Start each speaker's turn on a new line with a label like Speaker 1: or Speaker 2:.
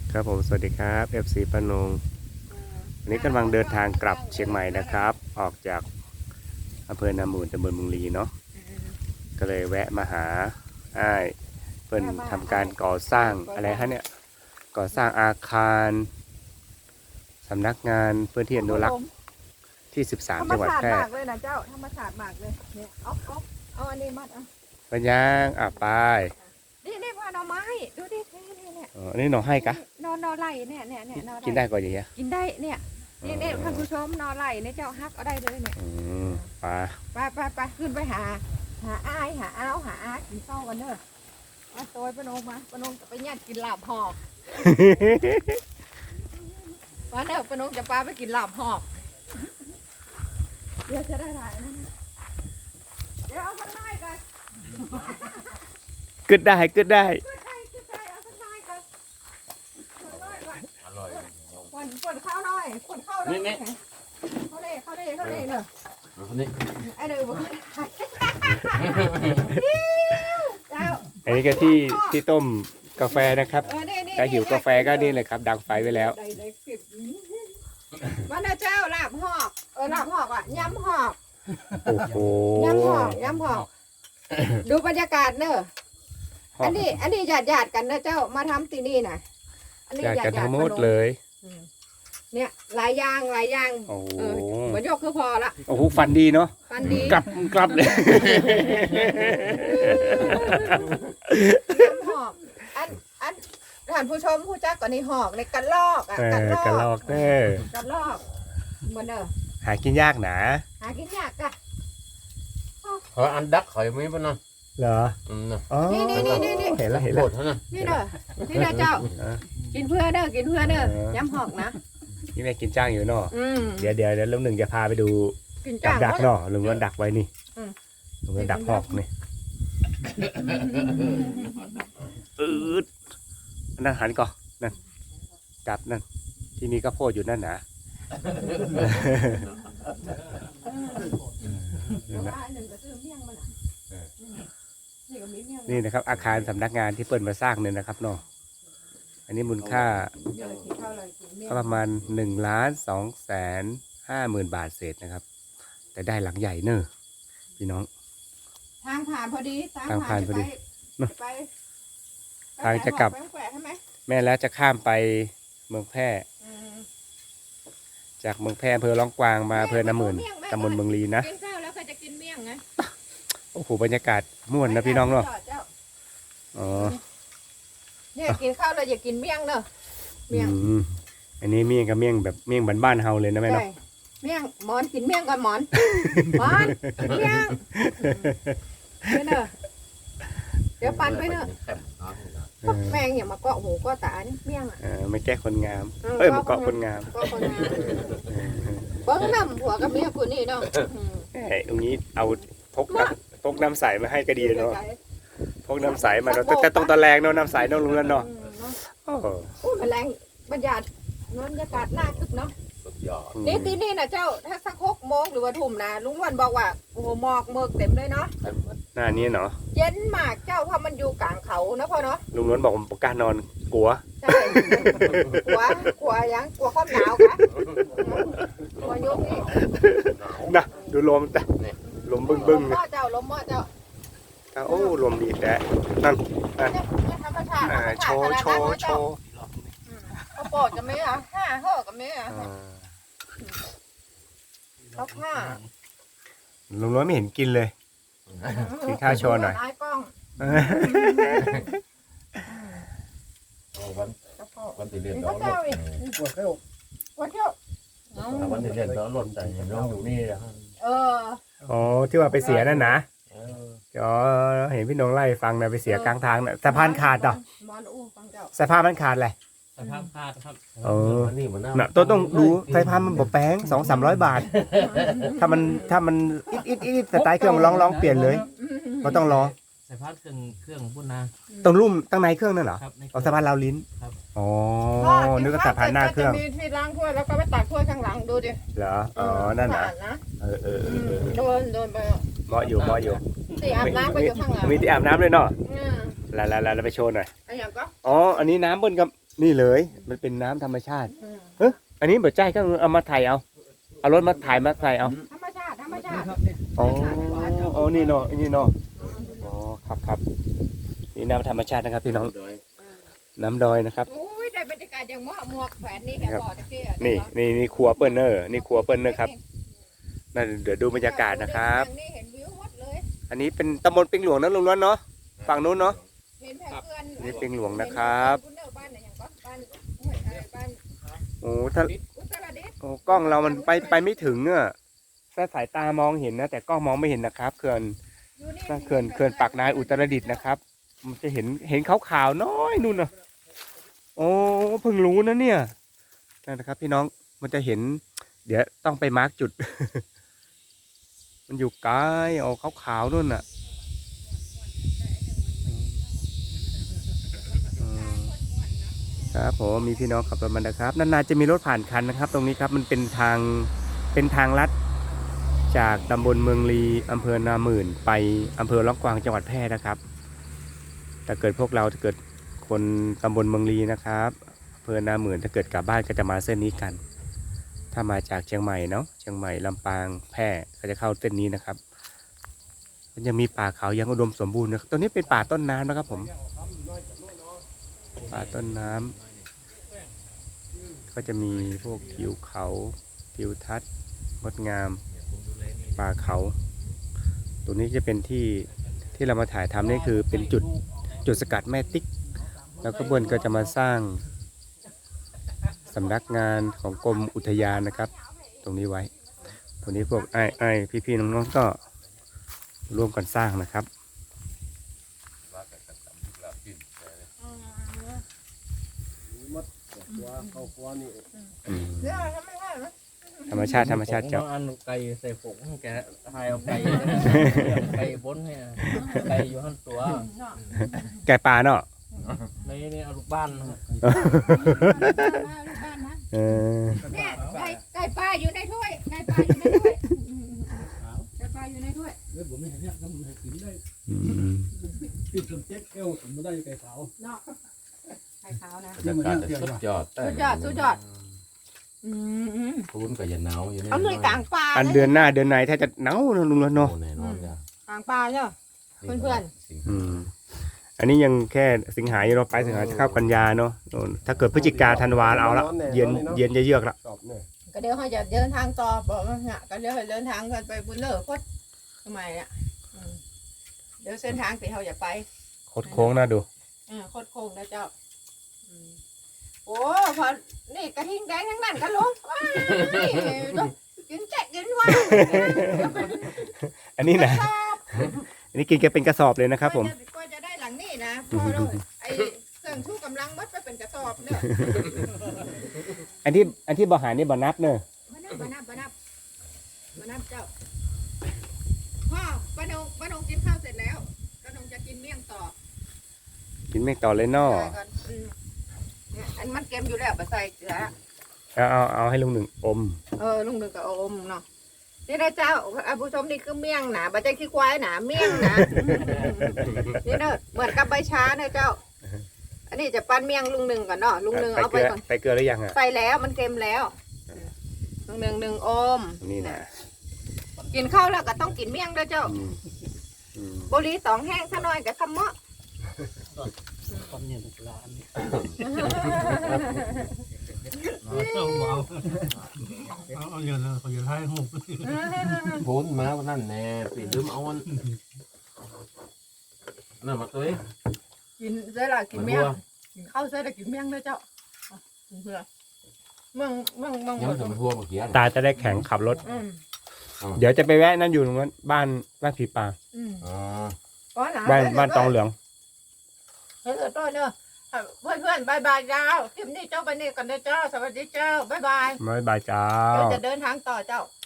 Speaker 1: ครับผมสวัสดีครับ FC ปานงวันนี้กำลังเดินทางกลับเชียงใหม่นะครับ ออกจากอำเภอนามูลตำบลเมืองลีเนาะก็เลยแวะมาหาอ้ายเพิ่นทำการก่อสร้างอะไรฮะเนี่ยก่อสร้างอาคารสำนักงานพื้นที่อนุรักษ์ที่ 13 จังหวัดแพร่
Speaker 2: ธรรมชาติมากเลยนะเจ้าธรรมชาติมากเลยเนี่ยเอาอันนี้มัดเอา
Speaker 1: ปัญญางไป
Speaker 2: นี่พ่อหน่อไม้ดูดิเนี่ย
Speaker 1: อันนี้หน่อให้กะ
Speaker 2: นอไหลเนี่ยนอไหล
Speaker 1: กินได้ก่อนอย่างเงี้ย
Speaker 2: กินได้เนี่ยนี่ท่านผู้ชมนอไหลเนี่ยเจ้าฮักเอาได้เลยเนี่ย
Speaker 1: ไป
Speaker 2: ไปขึ้นไปหาอ้ายหาอ้าวหาอากินข้าวกันเด้อมาโตยปนงมาปนงจะไปญาติกินลาบหอกวันเด้อปนงจะพาไปกินลาบหอกเดี๋ยวจะได้ถ่ายนะเดี๋ยวเอาคนน้อยก่อน
Speaker 1: กึดได้
Speaker 2: เอาคนน้อยก่อน
Speaker 3: อร่อย
Speaker 2: ปนข้าวหน่อยปนข้าวหน่อยเขาเล่เนอะ
Speaker 3: คนนี้
Speaker 2: ไอ้เด้อบอกเจ้า
Speaker 1: อันนี้ก็ที่ต้มกาแฟนะครับถ้าหิวกาแฟก็นี่เลยครับดังไฟไว้แล้ว
Speaker 2: วันนะเจ้าลาบหอกลาบหอกอ่ะยำหอก
Speaker 1: โอ้โห
Speaker 2: ยำหอกดูบรรยากาศเนอะอันนี้ญาติกันนะเจ้ามาทำที่นี่นะอันนี้
Speaker 1: อยากกันทั้งหมดเลย
Speaker 2: เนี่ยหลายอย่าง
Speaker 1: โอ้โห
Speaker 2: เหมือนยกคือพอละ
Speaker 1: โอ้โหฟันดีเนาะ
Speaker 2: ฟันดี
Speaker 1: กลับเลย
Speaker 2: ยำหอกอันท่านผู้ชมผู้จักก่อนนี่หอกในกันลอกอ่ะ
Speaker 1: กระลอกเด้อ
Speaker 2: กันลอกเหมือนเด้อ
Speaker 1: หากินยากหนา
Speaker 2: หากินยากอะ
Speaker 3: อันดักข่อยไม่ปะนะ
Speaker 1: เหรออ๋อ
Speaker 2: นี่
Speaker 1: เห็นแล้ว
Speaker 3: โคตรนะ
Speaker 2: นี่เด้อนี่เด้อเจ้า กินเพื่อเด้อยำหอกนะ
Speaker 1: นี่แม่กินจ้างอยู่เนาะเดี๋ยวลุงหนึ่งจะพาไปดู
Speaker 2: กิน
Speaker 1: จั
Speaker 2: จ้า
Speaker 1: บ
Speaker 2: ง
Speaker 1: ดักเนาะลุงนั้นดักไว้นี่ ลุงนั้นดักหอกนี่นั่นหันก่อนนั่นจับนั่นที่มีข้าวโพดอยู่นั่นนะนี่นะครับอาคารสำนักงานที่เปิดมาสร้างเนี่ยนะครับเนาะอันนี้มูลค่าประมาณ1,250,000 บาทเศษนะครับแต่ได้หลังใหญ่เนอะพี่น้อง
Speaker 2: ทางผ่านพอดี
Speaker 1: ทางผ่านพอดี
Speaker 2: ไป
Speaker 1: ทางจะกลับ
Speaker 2: ไปแขวะใช่ไหม
Speaker 1: แม่แล้วจะข้ามไปเมืองแพร่จากเมืองแพร่อำเภอล่องกวางมาอำเภอนาหมื่นตำบลเมืองลีนะ
Speaker 2: กินข้าวแล้วก็จะกินเมี่ยงไง
Speaker 1: โอ้โหบรรยากาศม่วนนะพี่น้องเนาะอ๋อ
Speaker 2: เนี่ยกินข้าวแล้วอย่ากินเมี่ยงเนอะเมี่ยง
Speaker 1: อันนี้เมี่ยงกับเมี่ยงแบบเมี่ยงบ้านๆเฮาเลยนะแม่เนาะ
Speaker 2: ใช่เมี่ยงหมอนกินเมี่ยงก่อนหมอนกินเมี่ยงไปเนอะเดี๋ยวปั่นไปเนอะแมงอย่ามาเกาะหูเกาะตานี่เมี่ยงอ่ะ
Speaker 1: ไม่แก้คนงามมาเกาะคนงาม
Speaker 2: เกาะคนงามเบิ้งน้ำผัวกับเมียผู้นี่เนาะ
Speaker 1: ตรงนี้เอาพกน้ำใสมาให้ก็ดีเนาะพกน้ำใสมาเนาะแต่ต้องตะแรงเนาะน้ำใสเนาะลุงนั่นเนาะโอ้
Speaker 2: แมลงบรรยากาศน่าคึกเนาะ
Speaker 3: สุดยอด
Speaker 2: นี่ที่นี่นะเจ้าถ้าสัก6 โมงหรือว่าทุ่มนะลุงวันบอกว่าโอ้โหหมอกเมือกเต็มเลยเนาะ
Speaker 1: หน้านี้เนาะ
Speaker 2: เย็นมากเจ้าเพราะมันอยู่กลางเขานะพ่อเนาะ
Speaker 1: ลุงล้วนบอกผมประกล้านอนกลัว
Speaker 2: ใช่กลัวยังกลัวความหนาวกะกลัวยุงนี่
Speaker 1: นะดูลมแต่ลมบึ้ง
Speaker 2: ลมหม้อเจ้าลมหม้อเจ้า
Speaker 1: โอ้ลมดีแต่นั่น
Speaker 2: เนี่ยธรรมชาติ
Speaker 1: โชว์
Speaker 2: เขาปอดกันไหมอ่ะห่อกันไหมอ่ะเขาผ้า
Speaker 1: ลุงล้วนไม่เห็นกินเลย กินข้าวโชว์หน่อย
Speaker 2: ไอ้กล้อง
Speaker 3: วันที่เรียน
Speaker 2: นี่
Speaker 3: ต้อ
Speaker 2: เขา
Speaker 3: ง
Speaker 2: เจ้าอีกวันเที่ยว
Speaker 3: วันที่เรียนต้องหล่นใจน้องอยู่นี่นะ
Speaker 1: อ๋อที่ว่าไปเสียนั่นนะอ๋อเห็นพี่น้องไล่ฟังนะไปเสียกลางทางนะสะพานขาดเหรอ
Speaker 2: มอนอู้ฟังเจ้า
Speaker 1: สะพานมันขาดเลย
Speaker 4: สภาพขาดครับ
Speaker 3: นี่มันน่า
Speaker 1: น่ะตัวต้องดูสายพานมันบอกแป้ง200-300 บาท ถ้ามันอิดสไตล์เครื่องมันลองเปลี่ยนเลยก็ต้องรอ
Speaker 4: สภาพเครื่องพุ่นนะ
Speaker 1: ตรงรุ่มตั้งในเครื่องนั่นเหรอ
Speaker 4: ครับใน
Speaker 1: เอาสะพานราวลิ้น
Speaker 4: ครับ
Speaker 1: อ๋อนึกว่าสะพานหน้าเครื่อง
Speaker 2: จะมีที่ล้างถ้วยแล้วก็ไปตักถ้วยข้างหลังดูดิ
Speaker 1: เหรออ๋อนั่นนะ
Speaker 2: นะ
Speaker 1: เออ
Speaker 2: โดนไป
Speaker 1: เหมาะอยู่
Speaker 2: ที่อาบน้ำก็อยู่ข้างหลัง
Speaker 1: มีที่อาบน้ำเลยเนาะ
Speaker 2: อืม
Speaker 1: แล้วไปโชว์หน่อย
Speaker 2: อันอย่างก็
Speaker 1: อ๋ออันนี้น้ำเบิ้ลกับนี่เลยมันเป็นน้ำธรรมชาติอันนี้เบิดใจก็เอามาถ่ายเอารถมาถ่ายมาใส่เอา
Speaker 2: ธรรมชาติธรรมชาติ
Speaker 1: อ๋อนี่เนาะนี่เนาะอ๋อครับนี่น้ำธรรมชาตินะครับพี่น้องน้ำดอยนะครับ
Speaker 2: โอ้ยได้บรรยากาศอย่างหมวกแขวนนี่แกบอกตะกี้
Speaker 1: นี่ครัวเปิ้ลเนอร์นี่ครัวเปิ้ลเนอร์ครับนั่นเดี๋ยวดูบรรยากาศนะครับ
Speaker 2: นี่เห็นวิวหมดเลย
Speaker 1: อันนี้เป็นตำบลปิงหลวงนะลุงล้วนเนาะฝั่งนู้นเนาะ
Speaker 2: เห็นแผงเพื่อน
Speaker 1: นี่ปิงหลวงนะครับ
Speaker 2: บ้านไหนอย่างบ้านห้วยอะไรบ้าน
Speaker 1: โอ้ถ้า
Speaker 2: อุตรดิตถ์
Speaker 1: โอ้กล้องเรามันไปไม่ถึงอ่ะแค่สายตามองเห็นนะแต่กล้องมองไม่เห็นนะครับเขื่อน
Speaker 2: อยู่นี่
Speaker 1: เขื่อนปากนายอุตรดิตถ์นะครับ มันจะเห็นขาวๆน้อยนู่นน่ะโอ้เพิ่งรู้นะเนี่ยนั่นนะครับ พี่น้องมันจะเห็น เดี๋ยวต้องไปมาร์กจุด มันอยู่ไกลออกขาวๆนู่นน่ะครับผมมีพี่น้องขับรถมานะครับนานๆจะมีรถผ่านคันนะครับ ตรงนี้ครับมันเป็นทางลัดจากตำบลเมืองลีอำเภอนาหมื่นไปอำเภอล่องกวางจังหวัดแพร่นะครับถ้าเกิดพวกเราถ้าเกิดคนตำบลเมืองลีนะครับอำเภอนาหมื่นถ้าเกิดกลับบ้านก็จะมาเส้นนี้กัน ถ้ามาจากเชียงใหม่เนาะเชียงใหม่ลำปางแพร่ก็จะเข้าเส้นนี้นะครับมันยังมีป่าเขายังอุดมสมบูรณ์นะตัวนี้เป็นป่าต้นน้ำนะครับผมป่าต้นน้ำก็จะมีพวกทิวเขาทิวทัศน์งดงามป่าเขาตัวนี้จะเป็นที่เรามาถ่ายทำนี่คือเป็นจุดสกัดแม่ติ๊กแล้วก็บนก็จะมาสร้างสำนักงานของกรมอุทยานนะครับตรงนี้ไว้ตรงนี้พวกไอ้พี่ๆน้องๆก็ร่วมกันสร้างนะครับธรรมชาติเจ้า
Speaker 4: อันไก่ใส่ผงแกทายเอาไก่ไก่บนให้ไก่อยู่ข้างตัว
Speaker 1: แกป่าเนาะ
Speaker 4: นี่เอาลูกบ้าน
Speaker 1: เออ
Speaker 2: เนี่ยไก่ปลาอยู่ในถ้วยไก่ปลาอยู่ในถ้วยไก่ปลาอยู่ในถ้วย
Speaker 5: เฮ้ยผมไม่เห็นเนี่ยน้ำมันกินได้
Speaker 1: อืม
Speaker 5: ปิดจนเจ๊กเอวผมไม่ได้ไก่ขาว
Speaker 2: เนาะไก่ขาวนะ
Speaker 3: บรรยากาศจะสุดยอด
Speaker 2: สุดยอด
Speaker 3: พื้นก็อย่าหนาวอยู่นี่
Speaker 2: เอาเลยกลางปลา
Speaker 1: อันเดือนหน้าเดือนไหนถ้าจะหนาวนะลุงแล้วเนาะ
Speaker 3: แน่นอนจ้ะ
Speaker 2: กลางปลาเนาะ เพื่อน
Speaker 1: อืมอันนี้ยังแค่สิงหาอยู่เราไปสิงหาจะเข้ากันยาเนาะโน่นถ้าเกิดพฤศจิกาธันวาเอาละเย็นจะเยือกละ
Speaker 2: ก็เดี๋ยวเขาจะเดินทางต่อบอกว่าเนี่ยก็เดี๋ยวเขาเดินทางกันไปบุญเลิศพดทำไมอ่ะเดี๋ยวเส้นทางที่เขาจะไป
Speaker 1: โคตรโค้งน่าดู
Speaker 2: โคตรโค้งนะเจ้าโอ้พอนี่กระทิงแดงทั้งนั้นกันลุงว้ายกินแจกกินว่า
Speaker 1: อันนี้นะอันนี้กินแกเป็นกระสอบเลยนะครับผม
Speaker 2: ก็จะได้หลังนี่นะพอเราไอ้เครื่องชูกำลังมัดไปเป็นกระสอบเนี่ย
Speaker 1: อันที่บ่หารนี่บ่นับเนอะ
Speaker 2: มานับเจ้าพ่อป้านงกินข้าวเสร็จแล้วป้านงจะกินเมี่ยงต่อ
Speaker 1: กินไม่ต่อเลยเนาะ
Speaker 2: ก่อนเนี่ยอันมันเค็มอยู่แล้วไปใส่เกลือ
Speaker 1: เอาให้ลุงหนึ่งอม
Speaker 2: ลุงหนึ่งกับอมเนาะนี่นะเจ้าผู้ชมนี่คือเมี่ยงหนาบัจจัยขี้ควายหนาเมี่ยงหนานี่เนอะเหมือนกับใบชาเนอะเจ้า อันนี้จะปั้นเมี่ยงลุงหนึ่งก่อนเนาะลุงหนึ่งเอาไปก่อน
Speaker 1: ใส่เกลือหรือยังอ่ะ
Speaker 2: ใส่แล้วมันเค็มแล้วลุงหนึ่งอม
Speaker 1: นี่นะ
Speaker 2: กินข้าวแล้วก็ต้องกินเมี่ยงด้วยเจ้า
Speaker 1: อืม
Speaker 2: บุหรี่2แห้งซะหน่อยกับคำเมาะ
Speaker 5: ความเนี่ยเป็นร้าน เอาเงินเลยเขาจะให้หุบ
Speaker 3: พื้นมาวันนั้นแน่ปีลืมเอาอันนั่นมาตัวเอง
Speaker 2: กินเสร็จแล้วกินเมี่ยงกินข้าวเสร็จแล้วกินเมี่ยงด้วยเจ้าเพื่อมึง
Speaker 3: ยังถึงทั่วเมื่อกี้
Speaker 1: ตาจะได้แข็งขับรถ เดี๋ยวจะไปแวะนั่นอยู่ตรงนั้นบ้านผีป่า
Speaker 3: อ๋อ
Speaker 1: บ้านตองเหลือง
Speaker 2: เฮ้ยตัวเนอะเพื่อนบายบายเจ้าคลิปนี้เจ้าไปนี่กันเด้อเจ้าสวัสดีเจ้าบายบาย
Speaker 1: บ๊ายบายจ้า
Speaker 2: เราจะเดินทางต่อเจ้า